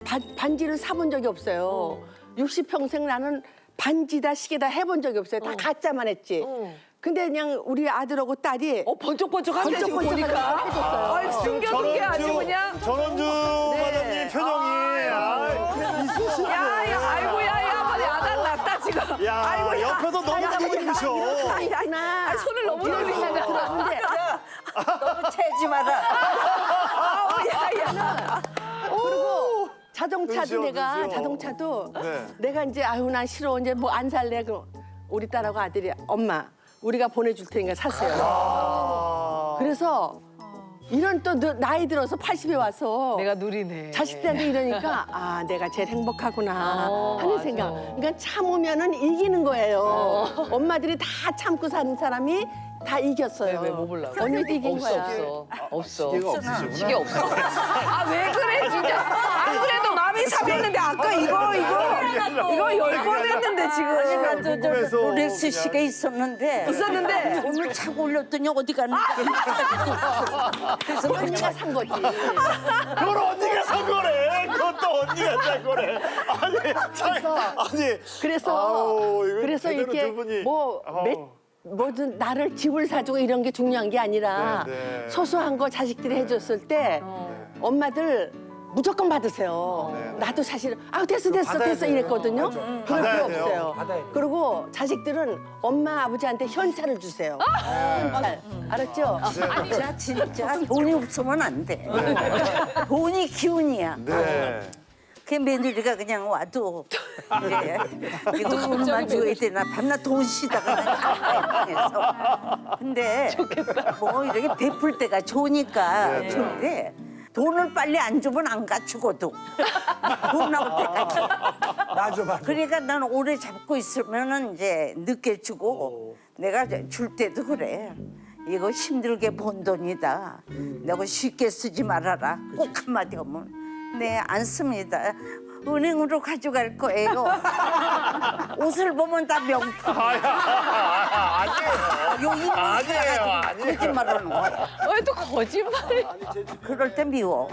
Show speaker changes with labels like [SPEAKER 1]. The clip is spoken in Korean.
[SPEAKER 1] 반지를 사본 적이 없어요. 60평생 나는 반지다 시계다 해본 적이 없어요. 다 가짜만 했지. 근데 그냥 우리 아들하고 딸이
[SPEAKER 2] 번쩍번쩍한데 지금 보니까.
[SPEAKER 1] 해줬어요.
[SPEAKER 2] 아이, 숨겨둔 게 아주 그냥.
[SPEAKER 3] 전원주 마담님 표정이 있으시네.
[SPEAKER 2] 야, 아이고, 야, 빨리 아단 났다, 지금.
[SPEAKER 3] 야,
[SPEAKER 2] 아이고, 야.
[SPEAKER 3] 옆에서 너무 기쁘셔.
[SPEAKER 1] 아니구나.
[SPEAKER 2] 손을 너무 놀리신다.
[SPEAKER 1] 근데
[SPEAKER 4] 너무 채지 마라.
[SPEAKER 2] 아우, 야.
[SPEAKER 1] 그리고 자동차도
[SPEAKER 3] 눈시워,
[SPEAKER 1] 내가
[SPEAKER 3] 눈시워.
[SPEAKER 1] 자동차도
[SPEAKER 3] 네.
[SPEAKER 1] 내가 이제 아유 난 싫어 이제 뭐 안 살래 그 우리 딸하고 아들이 엄마 우리가 보내줄 테니까 사세요.
[SPEAKER 3] 아.
[SPEAKER 1] 그래서 이런 또 나이 들어서 80에 와서
[SPEAKER 2] 내가 누리네.
[SPEAKER 1] 자식들한테 이러니까 아 내가 제일 행복하구나 하는
[SPEAKER 2] 맞아.
[SPEAKER 1] 생각. 그러니까 참으면은 이기는 거예요. 엄마들이 다 참고 사는 사람이 다 이겼어요.
[SPEAKER 2] 왜, 뭐 보려고?
[SPEAKER 1] 언니도 이긴
[SPEAKER 2] 없어,
[SPEAKER 1] 거야.
[SPEAKER 2] 없어.
[SPEAKER 3] 시계가 없으시구나.
[SPEAKER 2] 시계 없어. 아, 왜 그래, 진짜. 안 그래도 마음이 삽했는데, 아까 이거 10번 했는데, 지금.
[SPEAKER 3] 궁금해서
[SPEAKER 4] 롤렉스
[SPEAKER 3] 그냥.
[SPEAKER 4] 시계 있었는데
[SPEAKER 2] 있었는데.
[SPEAKER 4] 오늘 차고 올렸더니 어디 갔는지 그래서
[SPEAKER 1] 언니가 산 거지.
[SPEAKER 3] 그걸 언니가 산 거래. 그것도 언니가 산 거래. 아니.
[SPEAKER 1] 그래서
[SPEAKER 3] 아우, 이거
[SPEAKER 1] 그래서
[SPEAKER 3] 제대로
[SPEAKER 1] 이렇게
[SPEAKER 3] 두 분이.
[SPEAKER 1] 뭐
[SPEAKER 3] 아우.
[SPEAKER 1] 뭐든 나를 집을 사주고 이런 게 중요한 게 아니라
[SPEAKER 3] 네, 네.
[SPEAKER 1] 소소한 거 자식들이 해줬을 때 엄마들 무조건 받으세요.
[SPEAKER 3] 네, 네.
[SPEAKER 1] 나도 사실 아 됐어
[SPEAKER 3] 받아야 돼요.
[SPEAKER 1] 이랬거든요.
[SPEAKER 3] 맞아.
[SPEAKER 1] 그럴
[SPEAKER 3] 받아야
[SPEAKER 1] 필요
[SPEAKER 3] 돼요.
[SPEAKER 1] 없어요. 그리고 자식들은 엄마 아버지한테 현찰을 주세요. 현찰 알았죠?
[SPEAKER 4] 진짜 돈이 없으면 안 돼. 돈이 기운이야.
[SPEAKER 3] 네.
[SPEAKER 4] 그 며느리가 그냥 와도 이제 이거 돈만 줘야 되나 밤낮 돈 쉬다가 그래서 근데 뭐 이렇게 베풀 때가 좋으니까 좋은데 돈을 빨리 안 주면 안 가 죽어도 돈 나올 때까지.
[SPEAKER 5] 맞아.
[SPEAKER 4] 그러니까 난 오래 잡고 있으면은 이제 늦게 주고 내가 줄 때도 그래. 이거 힘들게 번 돈이다. 내가 쉽게 쓰지 말아라. 꼭 한마디 하면. 네, 안 씁니다. 은행으로 가져갈 거예요. 옷을 보면 다 명품.
[SPEAKER 3] 아니에요.
[SPEAKER 4] 요 이모
[SPEAKER 3] 아니에요,
[SPEAKER 4] 사가지고
[SPEAKER 3] 아니에요.
[SPEAKER 4] 거짓말하는 거야.
[SPEAKER 2] 왜 또 거짓말을.
[SPEAKER 4] 그럴 때 미워.